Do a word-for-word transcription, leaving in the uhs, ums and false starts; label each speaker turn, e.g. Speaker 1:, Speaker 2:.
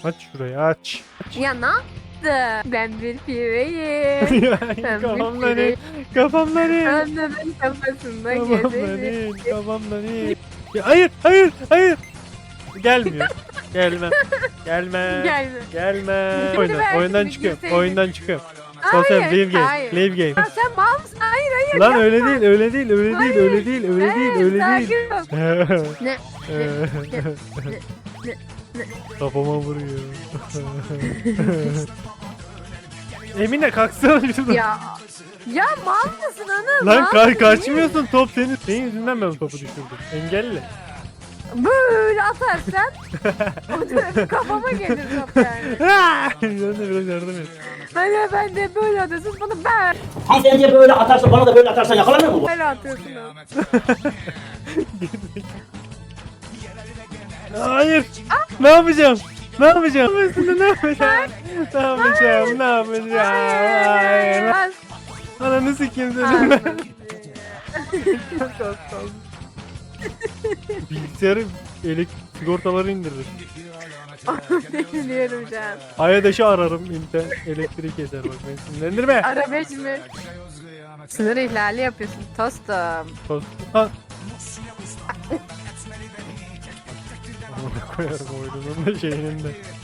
Speaker 1: Aç şurayı aç.
Speaker 2: Ya ne yaptı? Ben bir pireyim.
Speaker 1: Ya,
Speaker 2: Ben bir
Speaker 1: kafamdan in.
Speaker 2: pireyim.
Speaker 1: Kafamdan in.
Speaker 2: Annemin kafasında
Speaker 1: Kafamdan
Speaker 2: gezerim.
Speaker 1: in. Kafamdan in. Ya, hayır hayır hayır. Gelmiyor. Gelmem. Gelme.
Speaker 2: Gelme.
Speaker 1: Gelme.
Speaker 2: Şimdi
Speaker 1: Oyundan,
Speaker 2: verdim,
Speaker 1: oyundan
Speaker 2: bir
Speaker 1: çıkıyorum.
Speaker 2: girseydin.
Speaker 1: Oyundan çıkıyorum.
Speaker 2: Hayır,
Speaker 1: Sosyal leave game.
Speaker 2: hayır.
Speaker 1: Leave game.
Speaker 2: Ya sen mal mısın? Hayır hayır.
Speaker 1: Lan öyle değil, öyle değil, öyle değil,
Speaker 2: Hayır.
Speaker 1: öyle değil, öyle değil,
Speaker 2: Hayır,
Speaker 1: öyle değil.
Speaker 2: sakin ol. Ne?
Speaker 1: Kafama vuruyor. Emine kalksana şuradan.
Speaker 2: Ya. Ya mal mısın ana?
Speaker 1: Lan
Speaker 2: Mal
Speaker 1: ka
Speaker 2: mısın?
Speaker 1: kaçmıyorsun, top senin. Senin yüzünden ben topu düşürdüm. Engelle.
Speaker 2: Böyle atarsan o da kafama gelir top yani.
Speaker 1: Sen de biraz yardım et.
Speaker 2: Hani ben de böyle atıyorsun bana ben
Speaker 3: Hanımefendiye böyle atarsa bana da böyle atarsan yakalanır mı bu?
Speaker 2: böyle atıyorsun.
Speaker 1: Hayır. Ne yapacağım? Ne yapacağım? Üstünde ne yapacağım? Ne yapacağım? Ne yapacağım? Hayır.
Speaker 2: Ben
Speaker 1: Ananı sikeyim dedim ben. Bilgisayarı elektrik sigortaları indirir.
Speaker 2: biliyorum şu an.
Speaker 1: Ayadaş'ı ararım internet elektrik eder bak beni sinirlendirme.
Speaker 2: Ara beş mi? Sınır ihlali yapıyorsun tostum.
Speaker 1: Tost. Ha. Amına koyarım oyunun da şeyinin de.